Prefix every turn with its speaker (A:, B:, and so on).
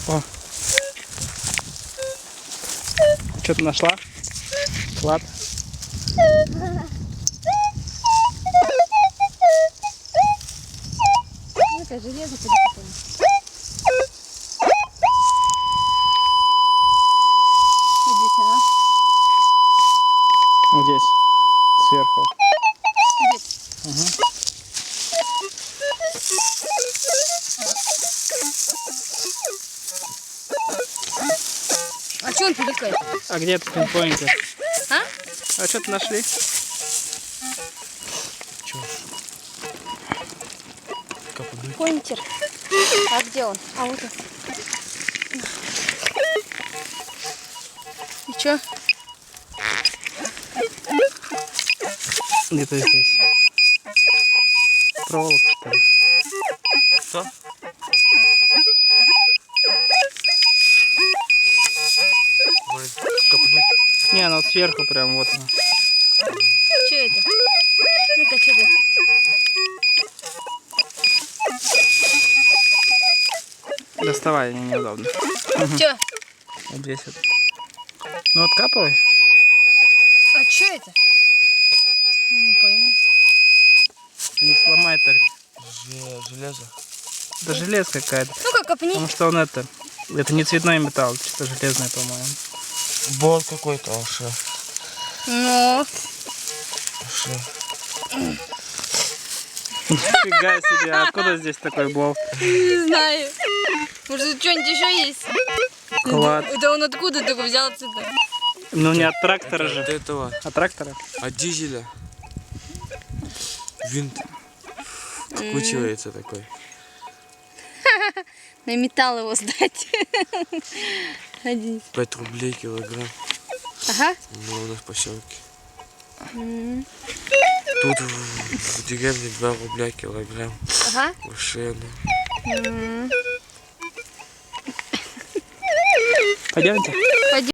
A: О. Что ты нашла? Клад.
B: Ну-ка, железо подопытаем. Здесь она.
A: Вот здесь. Сверху.
B: Здесь.
A: Угу.
B: А что он пиликает?
A: А где этот пинпоинтер?
B: А?
A: А что-то нашли?
C: Чё? Копнуть?
B: Поинтер. А где он? А вот он. И чё?
A: Где-то здесь. Проволока, что ли?
C: Что? Может, копнуть?
A: Не, она вот сверху прям вот она.
B: Чё это? Ну-ка, что это?
A: Доставай, неудобно.
B: Чё?
A: Вот здесь вот. Ну откапывай.
B: А чё это? Не пойму.
A: Ты не сломай только.
C: Железо.
A: Это железо какая-то.
B: Ну-ка, копни.
A: Потому что он это не цветной металл, чисто железный, по-моему.
C: Болт какой-то, вообще.
B: Ну,
A: Нифига себе, откуда здесь такой болт?
B: не знаю. Может, что-нибудь еще есть?
A: Клад.
B: Это он откуда только взял отсюда?
A: Ну не от трактора
C: От
A: же.
C: этого,
A: От трактора?
C: от дизеля. Винт. Вкручивается такой.
B: На металл его сдать. 11.
C: 5 рублей килограмм.
B: Ага.
C: Ну, у нас в поселке. Тут в деревне 2 рубля килограмм.
B: Ага.
C: Вообще, ну.
A: Пойдемте.
B: Пойдем.